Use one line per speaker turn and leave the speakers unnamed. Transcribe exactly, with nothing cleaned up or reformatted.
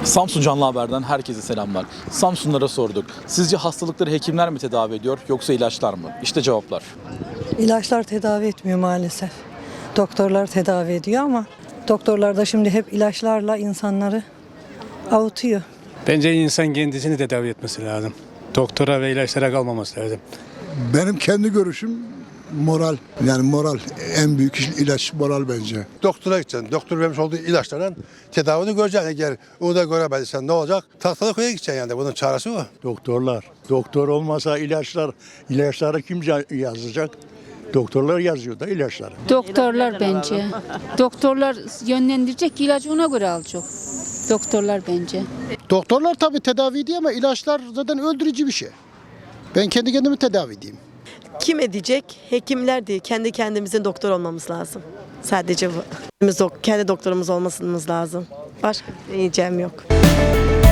Samsun Canlı Haber'den herkese selamlar. Samsunlara sorduk. Sizce hastalıkları hekimler mi tedavi ediyor yoksa ilaçlar mı? İşte cevaplar.
İlaçlar tedavi etmiyor maalesef. Doktorlar tedavi ediyor ama doktorlar da şimdi hep ilaçlarla insanları avutuyor.
Bence insan kendisini tedavi etmesi lazım. Doktora ve ilaçlara kalmaması lazım.
Benim kendi görüşüm moral. Yani moral en büyük ilaç moral bence.
Doktora gideceksin. Doktor vermiş olduğu ilaçlarla tedavini göreceksin. Eğer onu da göremediysen ne olacak? Tahtalı koya gideceksin yani. Bunun çaresi o.
Doktorlar. Doktor olmasa ilaçlar, ilaçları kim yazacak? Doktorlar yazıyor da ilaçları.
Doktorlar bence. Doktorlar yönlendirecek, ilacı ona göre alacak. Doktorlar bence.
Doktorlar tabii tedavi ediyor ama ilaçlar zaten öldürücü bir şey. Ben kendi kendimi tedavi edeyim.
Kim edecek? Hekimler değil. Kendi kendimizin doktor olmamız lazım. Sadece bu. Biz dok- kendi doktorumuz olmamız lazım. Başka bir diyeceğim yok.